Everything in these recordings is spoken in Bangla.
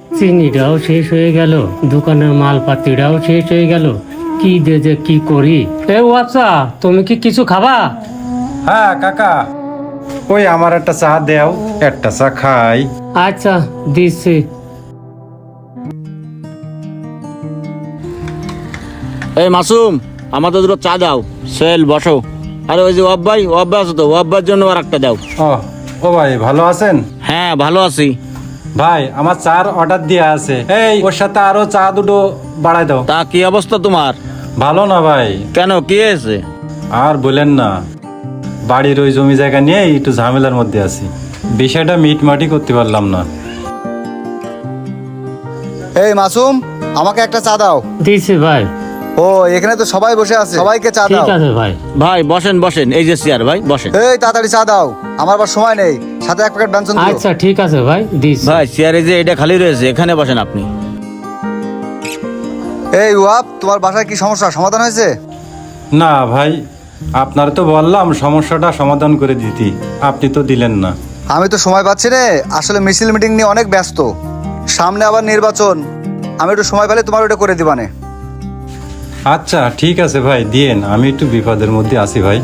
চিনিটাও শেষ হয়ে গেল, দোকানের মালপাতিটাও শেষ হয়ে গেল, কি দে যে কি করি। এ আচ্ছা, তুমি কি কিছু খাবা? হ্যাঁ কাকা, ওই আমার একটা চা দেও, একটা চা খাই। আচ্ছা দিচ্ছি। এই মাসুম, আমাদের দুটো চা দাও। সেল বসো। আরে ওই যে ওয়াব্বাই আছে তো, ওয়াব্বার জন্য আর একটা দাও। ও ভাই ভালো আছেন? হ্যাঁ ভালো আছি। ভাই আমার চার অর্ডার দেওয়া আছে, এই ওর সাথে আরো চা দুটো বাড়াই দাও। তা কি অবস্থা তোমার? ভালো না ভাই। কেন, কি হয়েছে? আর বলেন না, বাড়ির ওই জমি জায়গা নিয়ে একটু ঝামেলার মধ্যে আছি, বিষয়টা মিটমাটি করতে পারলাম না। এই মাসুম, আমাকে একটা চা দাও। দিচ্ছি ভাই। ও এখানে তো সবাই বসে আছে, সবাইকে চা দাও। ঠিক আছে ভাই। ভাই বসেন বসেন, এই যে চেয়ার, ভাই বসেন। এই তাড়াতাড়ি চা দাও, আমার আবার সময় নেই। সাথে এক প্যাকেট ব্যঞ্জন দিও। আচ্ছা ঠিক আছে ভাই, দিচ্ছি। ভাই চেয়ারে যে এটা খালি রয়েছে, এখানে বসেন আপনি। এই ওয়াব, তোমার বাসায় কি সমস্যা, সমাধান হয়েছে? না ভাই, আপনার তো বললাম সমস্যাটা সমাধান করে দিতে, আপনি তো দিলেন না। আমি তো সময় পাচ্ছি রে, আসলে মিছিল মিটিং নিয়ে অনেক ব্যস্ত, সামনে আবার নির্বাচন। আমি একটু সময় পেলে তোমার ওটা করে দিবানে। আচ্ছা ঠিক আছে ভাই, দিয়েন, আমি একটু বিপদের মধ্যে আছি ভাই।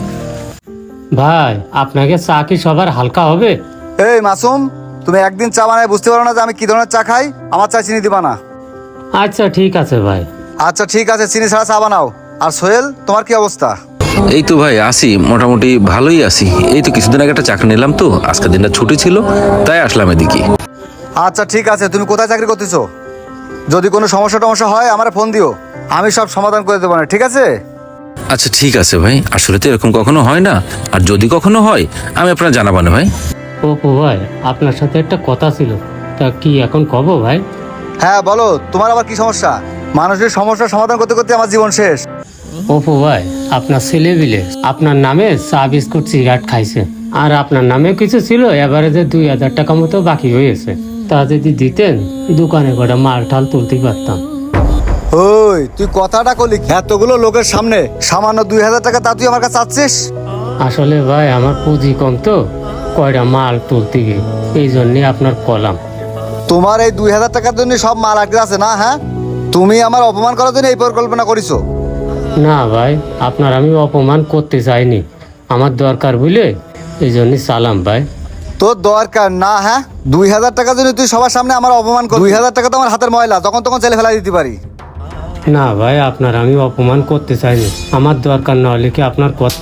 ভাই আপনাকে চা কি সবার হালকা হবে? এই মাসুম, তুমি একদিন চা বানায় বুঝতে পারো না যে আমি কি ধরনের চা খাই? আমার চা চিনি দিবা না। আচ্ছা ঠিক আছে ভাই। আচ্ছা ঠিক আছে, চিনি ছাড়া চা বানাও। আর সোহেল, তোমার কি অবস্থা? এই তো ভাই আছি, মোটামুটি ভালোই আছি। এই তো কিছুদিন আগে একটা চাকরি নিলাম, তো আজকের দিনটা ছুটি ছিল, তাই আসলাম এদিকে। আচ্ছা ঠিক আছে, তুমি কোথায় চাকরি করতেছো? যদি কোনো সমস্যা টমস্যা হয় আমার ফোন দিও, আমি সব সমাধান করে দেবো না, ঠিক আছে? আচ্ছা ঠিক আছে ভাই, আসলে তো এরকম কখনো হয় না, আর যদি কখনো হয় আমি আপনার জানাবো না ভাই। অপু ভাই, আপনার সাথে একটা কথা ছিল, তা কি এখন কব ভাই? হ্যাঁ বলো, তোমার আবার কি সমস্যা? মানুষের সমস্যার সমাধান করতে করতে আমার জীবন শেষ। অপু ভাই, আপনার ছেলে বিলে আপনার নামে চা বিস্কুট সিগারেট খাইছে, আর আপনার নামে কিছু ছিল, এবারে যে 2000 টাকা মতো বাকি হয়েছে, তা যদি দিতেন দোকানে কটা মাল ঠাল তুলতে পারতাম। ওই তুই কথাটা কলি এতগুলো লোকের সামনে, সামান্য 2000 টাকা তা তুই আমার কাছে চাচ্ছিস? আসলে ভাই আমার পুঁজি কম তো, কয়টা মাল তুলতে গিয়ে, এই জন্যে আপনার কলাম। তোমার এই 2000 টাকার জন্য সব মাল আটকে আছে না? হ্যাঁ, তুমি আমার অপমান করার জন্য এই পরিকল্পনা করিছো? না ভাই, আপনার আমি অপমান করতে চাইনি, আমার দরকার বুঝলে, এই জন্যে সালাম ভাই। তোর দরকার না? হ্যাঁ, 2000 টাকার জন্য তুই সবার সামনে আমার অপমান কর? 2000 টাকা তো আমার হাতের ময়লা, তখন তখন ছেলে ফেলাই দিতে পারি। না ভাই, আপনার আমি অপমান করতে চাইনি, আমার দরকার না হলে কি আপনার কথা।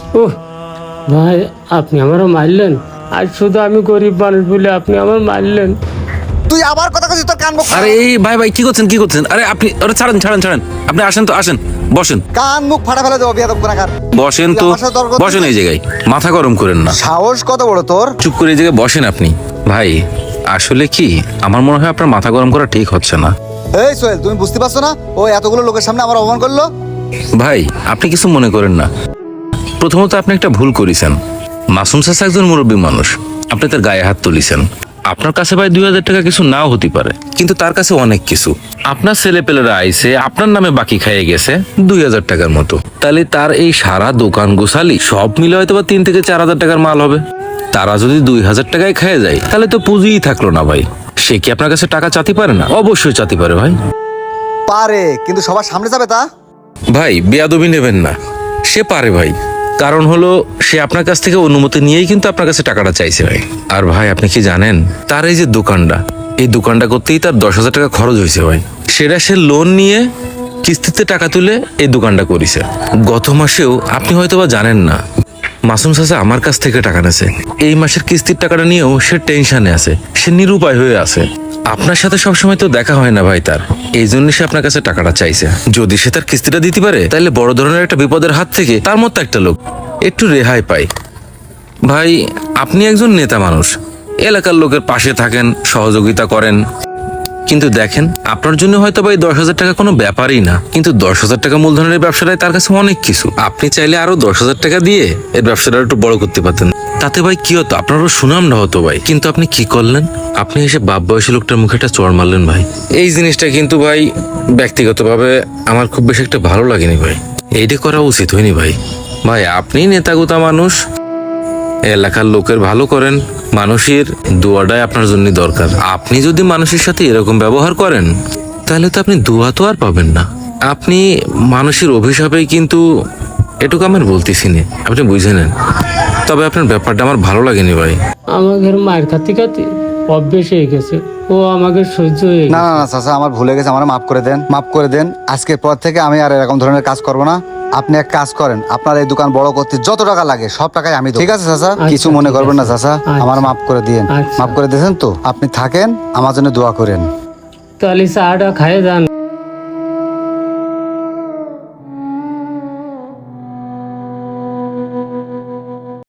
ভাই আপনি আমারও মারলেন, আর শুধু আমি গরিব মানুষ বলে আপনি আমার মারলেন। তুই আবার কথা কইছিস, তোর কান মুখ। আরে এই ভাই ভাই কি করছেন? আরে আপনি, আরে ছাড়েন ছাড়েন ছাড়েন, আপনি আসেন তো, আসেন বসেন। কান মুখ ফাটা ফেলে দেবো বিয়াদব কোনাকার। বসেন তো, বসেন এই জায়গায়, মাথা গরম করেন না। সাহস কত বড় তোর? চুপ করে এই জায়গায় বসেন আপনি। ভাই আসলে কি, আমার মনে হয় আপনার মাথা গরম করা ঠিক হচ্ছে না। এই সোহেল, তুমি বুঝতে পারছো না ও এতগুলো লোকের সামনে আমার অপমান করলো? ভাই আপনি কিছু মনে করেন না, প্রথমত আপনি একটা ভুল করেছেন। মাসুম চাচা একজন মুরব্বী মানুষ, আপনি তার গায়ে হাত তুলিছেন। আপনার কাছে ভাই 2000 টাকা কিছু নাও হতে পারে, কিন্তু তার কাছে অনেক কিছু। আপনার ছেলেপেলেরা আইসে আপনার নামে বাকি খাইয়ে গেছে 2000 টাকার মতো, তাহলে তার এই সারা দোকান গোছালি সব মিলে হয়তো বা 3 থেকে 4000 টাকার মাল হবে। তারা যদি 2000 টাকায় খেয়ে যায়, তাহলে তো পুঁজিই থাকলো না ভাই। সে কি আপনার কাছে টাকা চাতে পারে না? অবশ্যই চাতে পারে ভাই। পারে, কিন্তু সবার সামনে যাবে তা? ভাই বেয়াদবি নেবেন না, সে পারে ভাই, কারণ হলো সে আপনার কাছ থেকে অনুমতি নিয়েই কিন্তু আপনার কাছে টাকাটা চাইছে ভাই। আর ভাই আপনি কি জানেন, তার এই যে দোকানটা, এই দোকানটা করতেই তার 10,000 টাকা খরচ হয়েছে ভাই। সেটা সে লোন নিয়ে কিস্তিতে টাকা তুলে এই দোকানটা করেছে। গত মাসেও আপনি হয়তো বা জানেন না, মাসুম চাচা আমার কাছ থেকে টাকা নেছে। এই মাসের কিস্তির টাকাটা নিয়েও সে টেনশনে আছে, সে নিরুপায় হয়ে আছে। আপনার সাথে সবসময় তো দেখা হয় না ভাই তার, এই জন্য সে আপনার কাছে টাকাটা চাইছে। যদি সে তার কিস্তিটা দিতে পারে, তাহলে বড় ধরনের একটা বিপদের হাত থেকে তার মতো একটা লোক একটু রেহাই পায়। ভাই আপনি একজন নেতা মানুষ, এলাকার লোকের পাশে থাকেন, সহযোগিতা করেন, কিন্তু দেখেন আপনার জন্য হয়তো ভাই 10,000 টাকা কোনো ব্যাপারই না, কিন্তু 10,000 টাকা মূলধনের ব্যবসাটাই তার কাছে অনেক কিছু। আপনি চাইলে আরো 10,000 টাকা দিয়ে এর ব্যবসাটা একটু বড় করতে পারতেন, তাতে ভাই কি হতো, আপনারও সুনাম না হতো ভাই। কিন্তু আপনি কি করলেন, আপনি এসে বাপ বয়সী লোকটার মুখে একটা চড় মারলেন ভাই। এই জিনিসটা কিন্তু ভাই ব্যক্তিগতভাবে আমার খুব বেশি একটা ভালো লাগেনি ভাই, এইটা করা উচিত হয়নি ভাই। ভাই আপনি নেতাগোতা মানুষ, এলাকার লোকের ভালো করেন, মানুষের দোয়াটাই আপনার জন্য দরকার। আপনি যদি মানুষের সাথে এরকম ব্যবহার করেন তাহলে তো আপনি দোয়া তো আর পাবেন না, আপনি মানুষের অভিশাপেই কিন্তু এটুকু আমার বলতেছি না, আপনি বুঝে নেন। তবে আপনার ব্যাপারটা আমার ভালো লাগেনি ভাই। আমাদের মায়ের খাতে খাতে অভ্যেস হয়ে গেছে, ও আমাকে সহ্য হয়ে না গেছে। না না চাচা, আমার ভুলে গেছে, আমার মাফ করে দেন, মাফ করে দেন। আজকের পর থেকে আমি আর এরকম ধরনের কাজ করব না। আপনি এক কাজ করেন, আপনার এই দোকান বড় করতে যত টাকা লাগে সব টাকাই আমি দেব। ঠিক আছে চাচা, কিছু মনে ঠিক করবেন না আছে। চাচা, আমার আচ্ছা। মাফ করে দিয়েন। আচ্ছা। মাফ করে দিয়েছেন তো? আপনি থাকেন, আমার জন্য দোয়া করেন। তাহলে চাটা খাইয়ে যান।